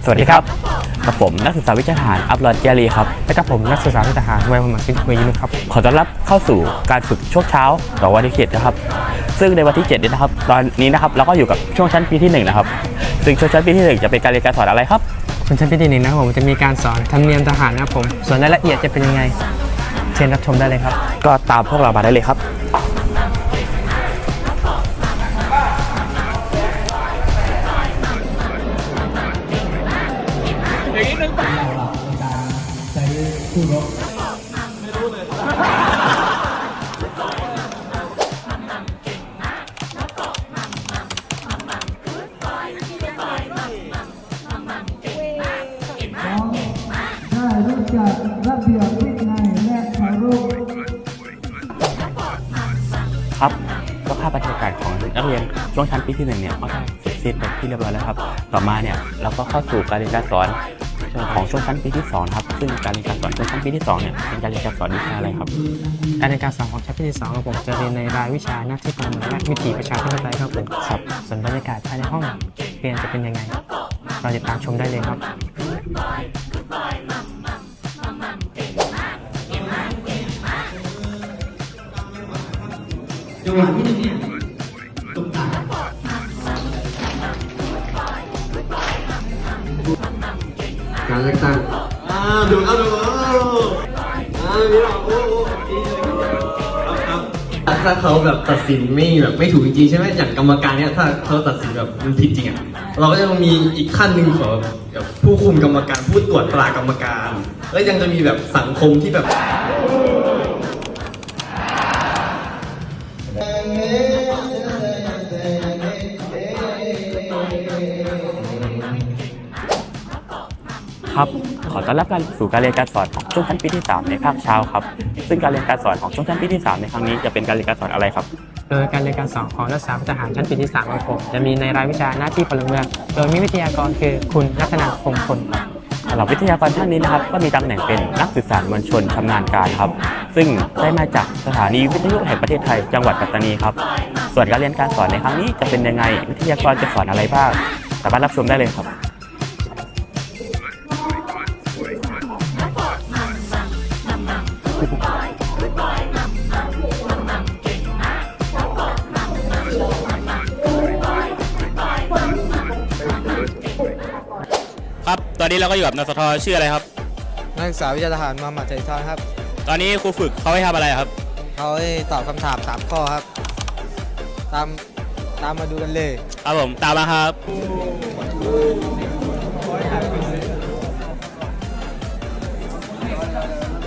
วัสดีครับกับผมนักศึกษาวิชาทหารอัพลอดเจรีครับและกับผมนักศึกษาวิชาทหารวัยประมาณ10 ปีนะครับขอต้อนรับเข้าสู่การฝึกช่วงเช้าต่อวันที่7นะครับซึ่งในวันที่7นี้นะครับตอนนี้นะครับเราก็อยู่กับช่วงชั้นปีที่1นะครับซึ่งช่วงชั้นปีที่1จะเป็นการเรียนการสอนอะไรครับส่วนชั้นปีที่1นะครับผมจะมีการสอนธรรมเนียมทหารนะครับผมส่วนรายละเอียดจะเป็นยังไงเชิญรับชมได้เลยครับก็ตามพวกเรามาได้เลยครับได้รู้จักระเบียบวินัยและเคารพครับก็ภาพบรรยากาศของนักเรียนช่วงชั้นปีที่1เนี่ยก็ได้เสร็จสิ้นเป็นที่เรียบร้อยแล้วครับต่อมาเนี่ยเราก็เข้าสู่การเรียนการสอนของช่วงชั้นปีที่2ครับซึ่งการเรียนการสอนช่วงชั้นปีที่2เนี่ยเป็นการเรียนการสอนวิชาอะไรครับการเรียนการสอนของชั้นปีที่2ครับผมจะเรียนในรายวิชาหน้าที่การเมืองและวิถีประชาธิปไตยครับผมครับส่วนบรรยากาศภายในห้องเรียนจะเป็นยังไงเราติดตามชมได้เลยครับจังหวะที่1เนี่ยตกต่างการเลือกตั้งดูนี่เราถ้าเขาแบบตัดสินไม่ถูกจริงๆใช่ไหมอย่างกรรมการเนี่ยถ้าเขาตัดสินแบบมันผิดจริงอ่ะเราก็จะมีอีกขั้นหนึ่งของแบบผู้คุมกรรมการผู้ตรวจตรากรรมการแล้วยังจะมีแบบสังคมที่แบบครับขอต้อนรับการสู่การเรียนการสอนของช่วงชั้นปีที่3ในภาคเช้าครับซึ่งการเรียนการสอนของช่วงชั้นปีที่3ในครั้งนี้จะเป็นการเรียนการสอนอะไรครับโดยการเรียนการสอนของนักศึกษาทหารชั้นปีที่3ของผมจะมีในรายวิชาหน้าที่พลเมืองโดยมีวิทยากรคือคุณรัตนาคงพลสำหรับวิทยากรท่านนี้นะครับก็มีตำแหน่งเป็นนักสื่อสารมวลชนชำนาญการครับซึ่งได้มาจากสถานีวิทยุแห่งประเทศไทยจังหวัดปัตตานีครับส่วนการเรียนการสอนในครั้งนี้จะเป็นยังไงวิทยากรจะสอนอะไรบ้างสามารถรับชมได้เลยครับครับตอนนี้เราก็อยู่กับนสทชื่ออะไรครับนักศึกษาวิชาทหารมาหมัดใจทอนครับตอนนี้ครูฝึกเขาให้ทำอะไรครับเขาให้ตอบคำถาม3 ข้อครับตามมาดูกันเลยครับผมตามมาครับ